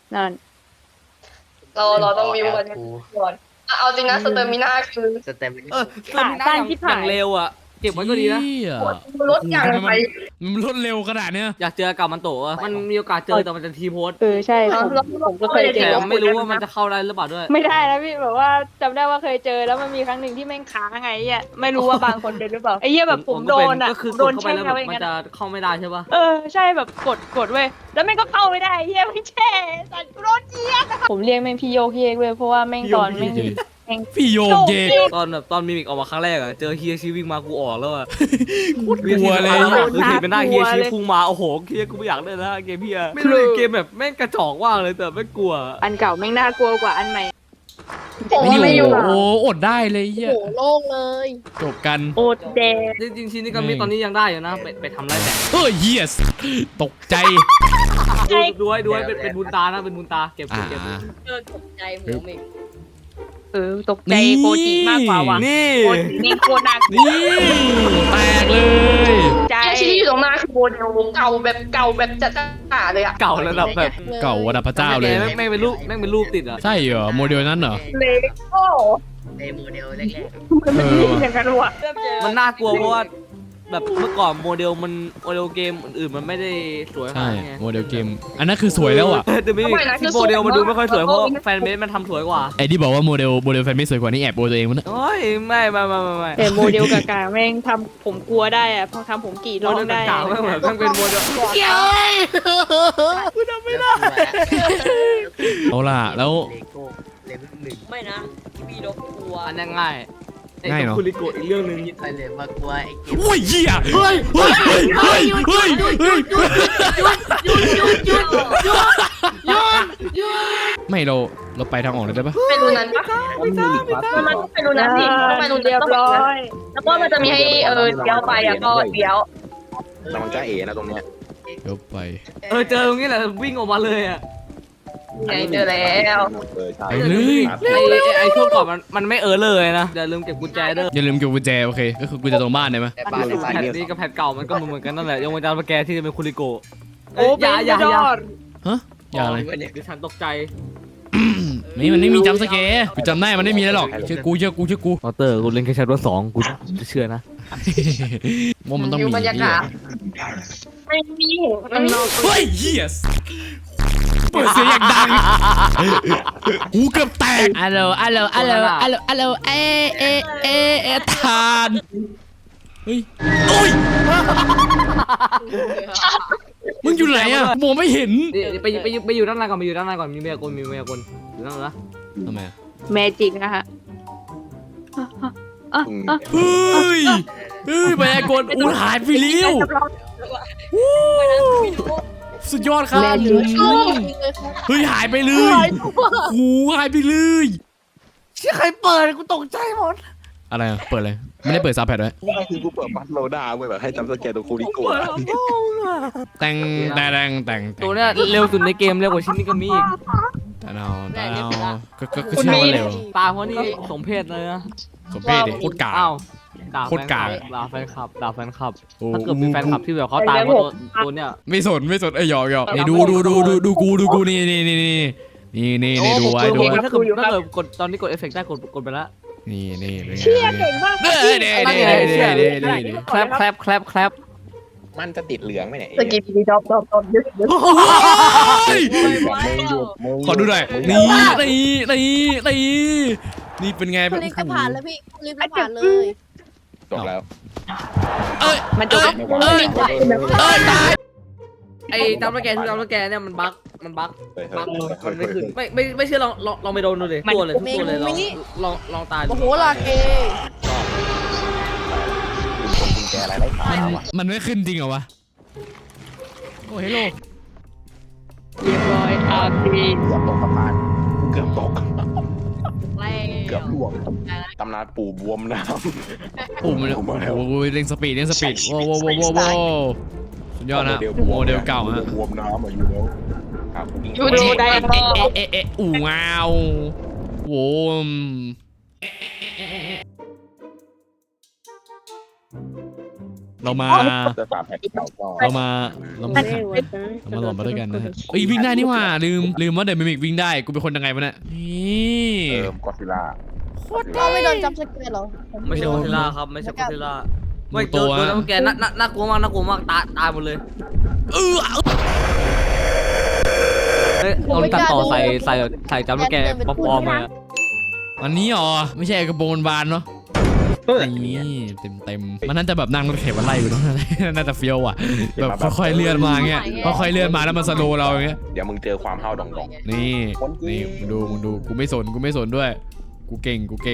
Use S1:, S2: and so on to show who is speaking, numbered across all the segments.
S1: นั่น
S2: เราต้องวิวกันก่อนเอาจริงนะสเตอร์มิน่าคือ
S3: สเต็ม
S4: เติมหน้าอย่างเร็วอ่ะเก็บไว้ก็ดีนะ
S2: รถอย่างไร
S5: มันรวดเร็วขนาดเนี้ย
S4: อยากเจอกับมันโตะมันมีโอกาสเจอแต่มันจะทีโพส
S1: ใช่ผมก็เคยเจ
S4: แต่
S1: อ
S4: ไม่รู้ว่ามันจะเข้าได้หรือเปล่าด้วย
S1: ไม่ได้นะพี่แบบว่าจำได้ว่าเคยเจอแล้วมันมีครั้งหนึ่งที่แม่งค้างไงอ่ะไม่รู้ว่าบางคนเป็นหรือเปล่าไอ้เหี้ยแบบผมโดนอ่ะ
S4: ก็คือก
S1: โด
S4: ด
S1: น
S4: เข้าไป
S1: แช่
S4: แล้ว
S1: ไว้อย่าง
S4: มัน
S1: นั้น
S4: จะเข้าไม่ได้ใช่ปะ
S1: ใช่แบบกดเว้ยแล้วแม่งก็เข้าไม่ได้เหี้ยไม่แช่สัตว์โรถเจี๊ยบผมเรียกแม่งพี่โยกเยกเว้ยเพราะว่าแม่งตอนแม่ง
S5: พี่โยกเยก
S4: ตอนมิมิกออกมาครั้งแรกอะเจอเฮียชีวิ่งมากูออกแล้วอะ
S5: กลัวเลย
S4: คือเห็นเป็นหน้าเฮียชีพุ่งมาโอ้โหเฮียกูไม่อยากเล่นนะเกมเฮียไม่รู้เกมแบบแม่งกระจอกว่างเลยแต่ไม่กลัว
S1: อันเก่าแม่งน่ากลัวกว่าอันใหม่
S5: ไม่อยู่โอ้อดได้เลยเฮีย
S2: โหโล่งเลย
S5: จบกัน
S1: โอดแดง
S4: จริงๆชินนี่ก็มีตอนนี้ยังได้อยู่นะไปทำไรแต่
S5: เฮ้ยเฮียตกใจ
S4: ด้วยเป็นบุญตานะเป็นบุญตาเก็บ
S2: ตกใจหมูมิก
S1: ตกใจโคจิมากกว่าว่ะ
S4: นี่
S1: โคจินี่โคตรน่ากลัว
S5: นี่แตกเลย
S1: ใจ
S2: แค่ชี้อยู่ตรงหน้าคือโมเดลเก่าแบบจะเลยอะ
S4: เก่าระดับแบบ
S5: เก่าระดับพระเจ้าเลย
S4: แม่งเป็นรูปติดอ่ะ
S5: ใช่เหรอโมเดลนั้นเหรอ
S1: เลโก้
S3: ในโมเดลแรก
S1: มันไม่ดีอย่างนั้นว่ะ
S4: มันน่ากลัวเพราะว่าแบบเมื่อก่อนโมเดลเกมอื่นๆมันไม่ได้สวยข
S5: ใช่
S4: นาดนี้ไง
S5: โมเดลเกมอันนั้นคือสวยแล้วอ่ะ
S4: แต่ไม่ที่โมเดลมันดูไม่ค่อยสวยเพราะแฟนเบสมันทำสวยกว่า
S5: ไอ้ที่บอกว่าโมเดลแฟนไม่สวยกว่านี่แอบโบตัวเองมันนะ
S4: โอ้ยไม่
S1: แต่โมเดลกากาแม่งทำผมกลัวได้อะพอทำผมกรีด
S4: โม
S1: ร้อง
S4: เดล
S1: ได้
S4: ต่างๆไม่เหมือนต้องเป็นโมเดล
S3: ๆเกี่ยวกูทำไม่ได้
S5: เอาล่ะแล้ว
S3: เลโก้เลเวลหนึ่ง
S2: ไม่นะมีดอกบัว
S4: อันนี้ง่าย
S5: ง่ายเนอะ
S4: คุริโกะอีกเรื่องนึง
S3: คิดไปเลยว่ากลัวไอ้เกม
S5: โอ้ยเหี้ยเฮ้ยไม่เราไปทางออกเลยได้ปะ
S2: ไปรูนั้นปะมันไปรูนั้นสิไปรู
S1: เรียบร้อย
S2: แล้วก็มันจะมีให้เลี้ยวไปอะก็เลี้ยว
S6: กำลังจะเอ๋นะตรงเนี้ย
S5: เดี๋ยวไป
S4: เจอตรงนี้แหละวิ่งออกมาเลยอ่ะ
S2: ไงเจอแล้ว
S6: ใช่
S5: ไปเลย
S4: ไอ้ช่วงก่อนมันไม่เลยนะอย่าลืมเก็บกุญแจเด้อ
S5: อย่าลืมเก็บกุญแจโอเคก็คือกุญแจตรงบ้านได้ไหม
S3: แต่บ้านในบ้าน
S4: แผ่น
S3: เนี่ย
S4: นี้กับแผ่นเก่ามันก็เหมือนกันนั่นแหละยกเว้นจานสแกที่จะเป็นคุริโกะ
S1: โอ้เป็นยอด
S5: ฮะอย่าอะไร
S4: ดิฉันตกใจ
S5: มันไม่มีจัมป์สแกร์กูจำได้มันไม่มีแล้วหรอกเชื่อกู
S4: มอเตอร์กูเล่นแค่ชั้นว่า2กูจะเชื่อนะ
S5: ว่ามันต้องมี
S2: บรรยากาศไม่มีมันนอก
S5: เฮ้ยเฮียเปิดเสียงอย่างดังหูเกือบแตกอัลโหลทานเฮ้ยโอ้ยมึงอยู่ไหนอะมองไม่เห็น
S4: ไปอยู่ด้านในก่อนมีมายากลอยู่นั่นนะ
S5: ทำไมอะ
S1: แมจิกนะฮะ
S5: เฮ้ยมายากลอูหายไปเลี้ยวสุดยอดครับเฮ้ยหายไปเลยหูหายไปเลย
S4: เชื่อใครเปิดกูตกใจหมด
S5: อะไรอะเปิดเลยไม่ได้เปิดซับแพดไว้
S6: ไม่คือกูเปิดบัตโลด้าเว้ยแบบให้จำสแกนตัวคูริโกะ
S5: แต่ง
S4: ตัวเนี้ยเร็วสุดในเกมเร็วกว่าชิ้นนี้ก็มีอีก
S5: ตาเนาก็ใช่ว่าเร็ว
S4: ตาเพราะนี่สมเพศเลยนะ
S5: สมเพศดิโคตรกา
S4: อ้าวด่า
S5: โคตรกาก
S4: ด่าแฟนคลับถ้า
S5: โอ้
S4: เกิดมีแฟนคลับที่แบบเขาตายเพราะตัวเนี้ย
S5: ไม่สนหยอกนี่ดูกูนี่ดูไว้
S4: ถ้าเกิดกดตอนนี้กดเอฟเฟกต์ได้กดไปแล้ว
S5: นี่เป็นไง
S1: เชี่ยเก่งมาก
S4: แคลป
S6: มันจะติดเหลืองไหมเนี่ย
S2: สกิปปี้ดอบเยอะ
S5: ขอดูหน่อยนี่เป็นไง
S7: คุณรีบจะผ่านแล้วพี่คุณรีบจะผ่านเลย
S6: จบแล้ว
S1: มันจะ
S4: ไอ้ตามแกเนี่ยมันบั๊กมันไม่ขึ้นไม่เชื่อลองไปโดนดูเลยตัวเลยทุกตัวเลยลองตาย
S7: โอ้โหลาเก
S6: คุณกุญแจอะไรไร้ขาวอ่ะ
S5: มันไม่ขึ้นจริงเหรอวะโอ้เฮลโล
S1: เรียบร้อยอาร์พี
S6: เกือบตกสะพานเกือบตก
S7: แล้
S6: เกือบ
S7: ว
S6: ล่วงตำนานปู่บวมน้
S5: ปุ่มมันโอ้ยเร่งสปีดว้าวสุดยอดนะโมเดลเก่าฮะ
S6: บวมน้ำอ่ะอยู่แล้วครับ
S2: ยูจีไดมอนด์
S5: อู่ว้าวโว้มเรามา
S6: จะสามแผ่นเก่าก็
S5: เรามาหลอมมาด้วยกันนะฮะเอ้ยวิ่งได้นี่หว่าลืมว่าเดมิมิกวิ่งได้กูเป็นคนยังไงวะเนี่ยนี่
S6: ก็ซิล่า
S7: ก็ไม่โดนจับสเกตหรอ
S4: ไม่ใช่โคเทล่าครับไม่ใช่โคเทล่าไม่
S5: ตั
S4: ตัว วจัมป์สแกร์น่ากลัวมากตายหมดเลยเฮ้ยเราตัดต่อใส่จัมป์สแกร์ปลอมๆมา
S5: อันนี้อ๋อไม่ใช่กระโปรงบานเนาะนี่เต็มมันน่าจะแบบนั่งรถเข็นมาไล่อยู่เนาะน่าจะเฟี้ยวอ่ะแบบค่อยๆเลื่อนมาเงี้ยค่อยๆเลื่อนมาแล้วมันสโลว์เราอย่างเงี้ย
S6: เดี๋ยวมึงเจอความห้าวดอง
S5: นี่มึงดูกูไม่สนด้วยกูเก่ง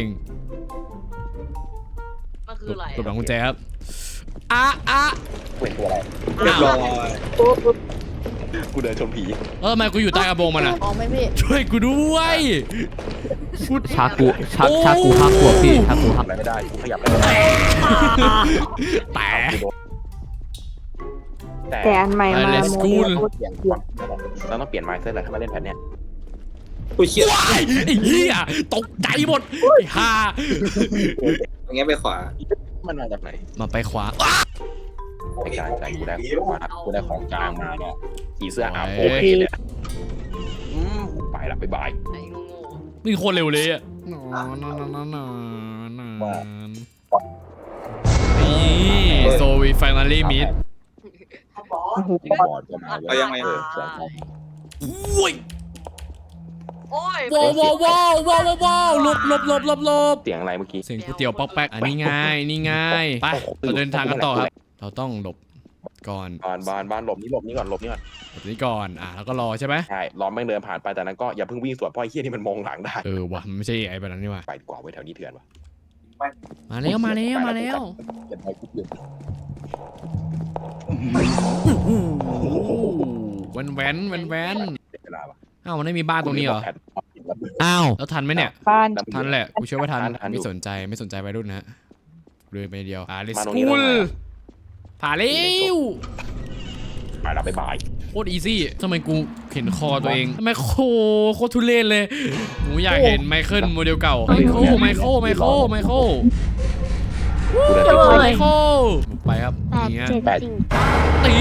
S4: มันคืออะไร
S5: ตบหลังกุญแจครับอะ
S6: ๆเป็นตัวอะไร
S4: เรียบร้อย
S6: กูเดินชนผี
S5: ทำไมกูอยู่ใต้กระโปรงมันอ่ะ
S7: อ๋อไม่พี่
S5: ช่วยกูด้วย
S4: ชากูฮักขวบพี่ชากูฮัก
S6: อะไรไม่ได้กูขยับไม่ได้
S5: แต่
S1: อันใหม่มา
S5: Let's go
S6: เปลี่ยนก่อนเราต้องเปลี่ยนไมซ์เซ็ตเลยถ้ามาเล่นแผ่นเนี้ย
S5: ว้ายไอ้เหี้ยตกใจหมดไอ้ห่า
S8: อย่างเงี้ยไปขวา
S6: มันมาจากไหน
S5: มาไปขวา
S6: ในการใจกูได้ของกลางมาเนี่ยขี่เสื้ออาโอเคเลยไปละบ๊ายบาย
S5: นี่โคตรเร็วเลยอ่ะนี่โซวีไฟนาลี่มิด
S6: บอดก็มา
S8: เอายังไง
S5: อุ้ยว้าวหลบ
S6: เสียงอะไรเมื่อกี้
S5: เสียงก๋วยเตี๋ยวป๊อกแป๊กอันนี้ง่ายไปเราเดินทางกันต่อครับเราต้องหลบก่อน
S6: บ้านหลบนี่ก่อน
S5: หลบนี้ก่อนแล้วก็รอใช่ไหม
S6: ใช่ล้อมแม่งเดินผ่านไปแต่นั้นก็อย่าเพิ่งวิ่งสวนเพราะไอ้เหี้ยนี่มันมองหลังได้
S5: ว่ะมันไม่ใช่ไอ้แบบนั้นนี่ว่ะ
S6: ไปดีกว่าไว้แถวนี้เถื่อนวะ
S5: มาแล้ว
S6: เก็บไปกูเปลี่ยน
S5: แว้น
S6: เวลาปะ
S5: อ้าวมันไม่มีบ้านตรงนี้เหรออ้าวแล้วทันไหมเนี่ย
S1: บ้าน
S5: ทันแหละกูเชื่อว่าทัน
S6: ทันอยู่
S5: ไม่สนใจไปรุ่นนะเลยไปเดียวเลส
S6: มาตรงนี้
S5: กู
S6: แล้ว
S5: ล
S6: ไง
S5: ผ่าเร็ว
S6: ไปละบ๊ายบาย
S5: โคตรอีซี่ทำไมกูเห็นคอตัวเองทำไมโคตรทุเรศเลยหนูอยากเห็นไมเคิลโมเดลเก่าไมเคิลไปครับอย่างเงี้ย
S6: แปด
S5: ตี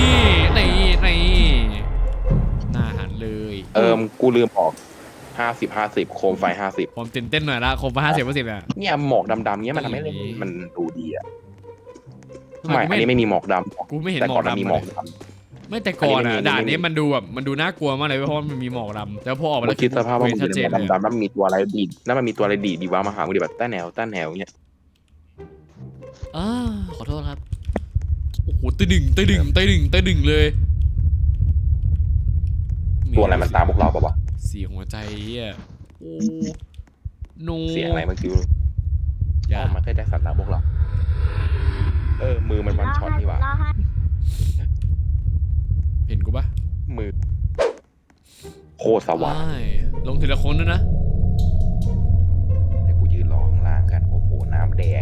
S5: หน้าหันเลย
S6: กูลืมออก50 โคมไฟ50
S5: ผมตื่นเต้นหน่อยละครบ50%เนี่ย
S6: เนี่ยหมอกดำๆเงี้ยมันทำให้มันดูดีอ่ะ
S5: ทำไม
S6: ไม่อันนี้ไม่มีหมอกด
S5: กูไม่เห็น
S6: ำแต่
S5: หม
S6: ก่
S5: อ
S6: อก นมัน
S5: ดำ
S6: มีหมอก
S5: เลย
S6: ด
S5: ไม่แต่ก่อน
S6: อันนี้
S5: อ่ะ
S6: ไม่มี
S5: ด่านนี้มันดูน่ากลัวมากเลยเพราะมันมีหมอกดำแล้วพอออก
S6: ำ
S5: มา
S6: แล้
S5: แล้ว ว
S6: คิดสภาพว่ามัน
S5: ชัด
S6: อยู่
S5: เจ
S6: ใน
S5: น
S6: หม
S5: เล
S6: อก
S5: ย
S6: ดำๆแล้วมันมีตัวอะไรดีดแล้วมันมีตัวอะไรดีวะมาหามึงดิแบบต้าแนวเงี้ย
S5: ขอโทษครับโอ้โหตะดึงเลย
S6: ตัวอะไรมันตามพวกเราปะวะ
S5: เสียงหัวใจอ่ะโอ้โน
S6: เสียงอะไรมันคือ
S5: อย่า
S6: มันแค่แจ็คสันตามพวกเรามือมันวันช็อตนี่หว่า
S5: เห็นกูปะ
S6: มือโคตรสว่าง
S5: ลงทีละคนด้วยนะ
S6: เดี๋ยวกูยืนรอข้างล่างกันโอ้โหน้ำแดง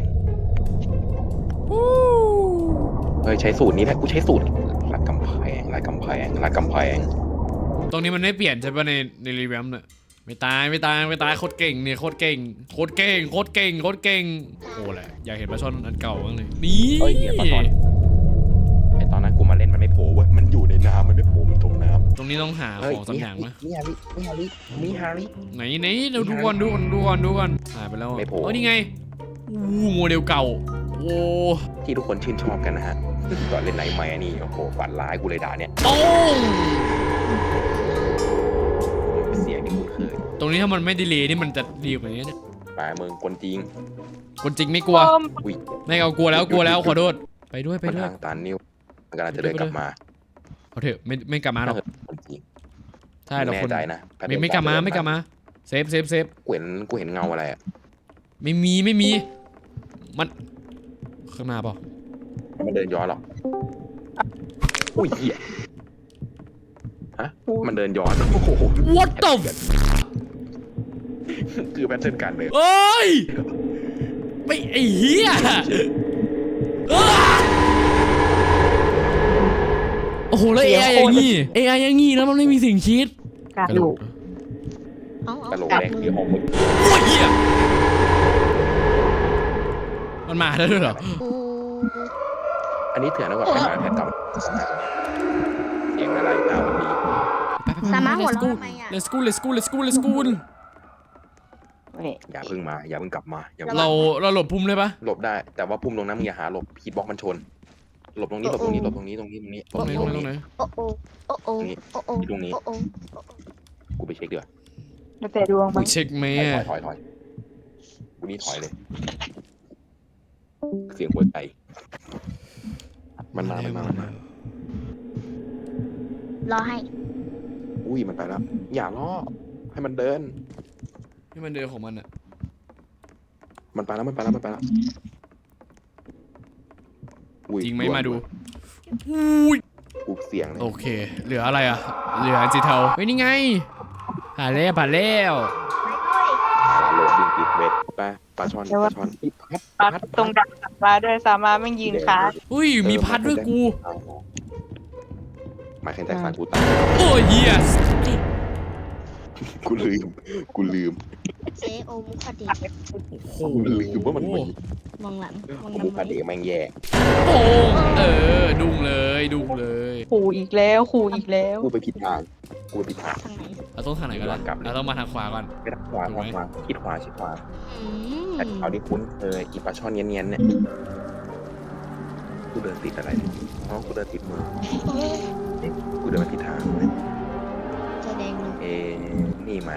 S6: ใช้สูตรนี้แหละกูใช้สูตรลาดกำแพง
S5: ตรงนี้มันไม่เปลี่ยนใช่ปะในรีแวมเนี่ยไม่ตายโคตรเก่งเนี่ยโคตรเก่งโอ้แหละอยากเห็นปลาช่อนอันเก่าบ้างเลยนี่
S6: เนี่ยตอนนั้นกูมาเล่นมันไม่โผล่เว้ยมันอยู่ในน้ำมันไม่โผล่มันจมน้ำ
S5: ตรงนี้ต้องหาของสักอย่างมั้ย
S6: มีฮาริ
S5: ไหนเราดูก่อนหายไปแล้ว
S6: ไม่โผล่
S5: นี่ไงโมเดลเก่าโอ้
S6: ที่ทุกคนชื่นชอบกันนะฮะก่อนเล่นไหนใหม่นี่โอ้โหฝันร้ายกูเลยด่าเนี่ย
S5: โอ้ง
S6: เสียงที่คุ้นเคย
S5: ตรงนี้ถ้ามันไม่ดีเลยนี่มันจะดีกว่านี้เนี่ย
S6: ปลายมึงคนจริง
S5: คนจริงไม่กลัว
S6: อุ้ย
S5: ไม่เอากลัวแล้วขอโทษไปด้วย
S6: มันทางตันนิ้วมันกำลังจะเดินกลับมา
S5: เอาเถอะไม่กลับมาหรอก
S6: คนจริง
S5: ใช่เรา
S6: แน่
S5: คน
S6: ใจนะ
S5: ไม่กลับมาเซฟ
S6: กูเห็นเงาอะไรอ่ะ
S5: ไม่มีมันข้างหน้าเปล่า
S6: มันเดินย้อนหรออุ้ยเหี้ยฮะมันเดินย้อนโอ้โห
S5: What the
S6: คือแพทเทิร์นการเดิน
S5: เอ้ยไม่ไอ้เหี้ยโอ้โหแล้ว AI อย่างงี้แล้วมันไม่มีสิ่งคิด
S1: กระดูก
S6: กระโหลกแดงคือของมึง
S5: โอ้ยเหี้ยมันมาได้ด้วยเหรอ
S6: อันนี้เถื่อนนะก่อนไปหาแผนกลับเสียงอะไรตาวันนี้
S7: สามารถหัวเราะทำไมอ่ะ
S5: let's go let's go let's go let's go
S6: อย่าเพิ่งมาอย่าเพิ่งกลับมาอย่า
S5: เราหลบพุ่มเลยปะ
S6: หลบได้แต่ว่าพุ่มตรงนั้นมึงอย่าหาหลบพีทบล็อกมันชนหลบตรงนี้หลบตรงนี้หลบตรงนี้ตรงนี้ตรงนี้
S5: ตรงไหนตรงไหนตรงไหน
S7: โอ้โอ้โอ้โอ้โอ้โอ้
S6: ตรงนี้
S7: โอ้โอ้
S6: กูไปเช็คเดี๋ยว
S1: แล้วแต่ดวง
S5: มึ
S1: มั้
S5: ง
S1: ง
S5: เช็คไหม
S6: ถอยกูนี่ถอยเลยเสียงหัวใจมันมาร
S7: อให้
S6: อุ้ยมันไปแล้วอย่าล่อให้มันเดิน
S5: นี่มันเดินของมันอะ
S6: มันไปแล้วอุ้ย
S5: จริงไหมมาดูอุ้ย
S6: กูเสียงเลย
S5: โอเค เหลืออะไรอะเหลือสีเทาเฮ้ยนี่ไงผ่านแล้ว
S6: โหลดดิ้งปิดเวทไปปลาช่อน
S1: ปัดตรงดักปลาด้วยสามารถไม่ยืนค้า
S5: อุ้ยมีพัดด้วยกู
S6: หมายแข่งใจสารกูตาย
S5: โอ้ยเหี้ย
S6: กูลืม
S7: เจโอมุคดี
S5: โอ้โห
S6: กูลืมว่ามันมี
S7: มองหลังมองห
S6: มู
S7: ลัง
S6: คาเดแม่งแย่
S5: โอ้ดุ้งเลย
S1: ขู่อีกแล้วขู่อีกแล้ว
S6: กูไปผิดทาง
S7: ทางไหน
S5: เราต้องทางไหนก่อนเราต้องมาทางขวาก่อน
S6: ไปทางขวาคิดขวา
S7: อืม
S6: แต่เขาที่คุ้นเคยอีปลาช่อนเนียนๆเนี่ยกูเดินติดอะไรน้องกูเดินติดมือกูเดินมาผิดทาง
S7: แสดง
S6: นี่มัน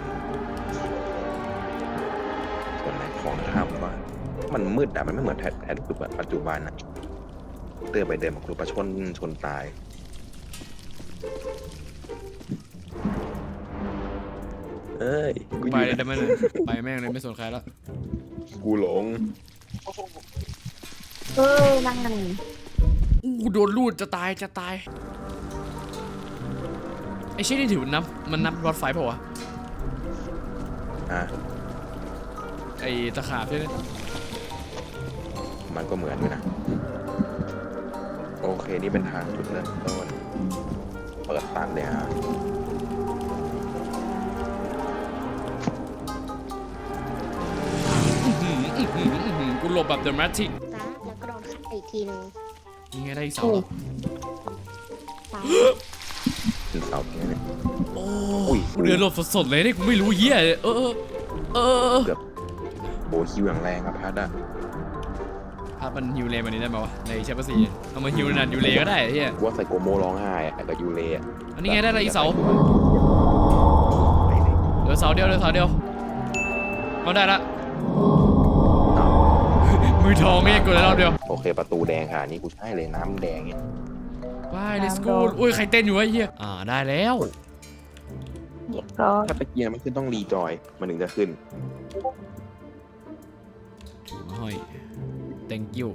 S6: ส่วนไหนของถ้ำวะมันมืดอะมันไม่เหมือนแท้ปัจจุบันอะเดินไปเดินมาครูปลาช่อนชนตายเอ้ยกู
S5: ไปเลยได้ไหมเลยไปแม่งเลยไม่สนใครแล้ว
S6: กูหลง
S7: นั่งกัน
S5: อู้โดนลูดจะตายไอ้เช่นนี่ถือมันนับรถไฟเปล่าวะ
S6: อ่ะ
S5: ไอ้ตะขาบใช่ไหม
S6: มันก็เหมือนอยู่นะโอเคนี่เป็นทางจุดเริ่มต้นเปิดตันเลยฮะ
S5: กูหลบแบบเดอะแมทริก
S7: จ้าแล้วก็โดนขัดอีกทีนึง
S5: ยังไงได้อีกเสา
S7: ตาย
S6: ถึงเสาเนี้ยเนี่ย
S5: โอ้
S6: อุ้ย
S5: กูเดินหลบสดๆเลยนี่กูไม่รู้เหี้ย
S6: โบคิวอย่างแรงอะพัดอะ
S5: ภาพมันฮิวเลมันนี้ได้ไหมวะในเชฟซีเอามาฮิวนันฮิวเลก็ได้เฮีย
S6: ว่าใส่โกโมร้องไห้อะกับยูเล่
S5: อันนี้ไงได้อะไรอีกเสา
S6: ไปเลย
S5: เหลือเสาเดียวเอาได้ละมือทองเนี่ยกูได้รอบเดียว
S6: โอเคประตูแดงค่ะนี่กูใช่เลยน้ำแดงเนี่ย
S5: ว้าย let's go อุ้ยใครเต้นอยู่วะเฮียได้แล้ว
S1: เรียบร้อย
S6: ถ้าตะเกียงมันขึ้นต้องรีจอยมันถึงจะขึ้น
S5: ห้อย thank you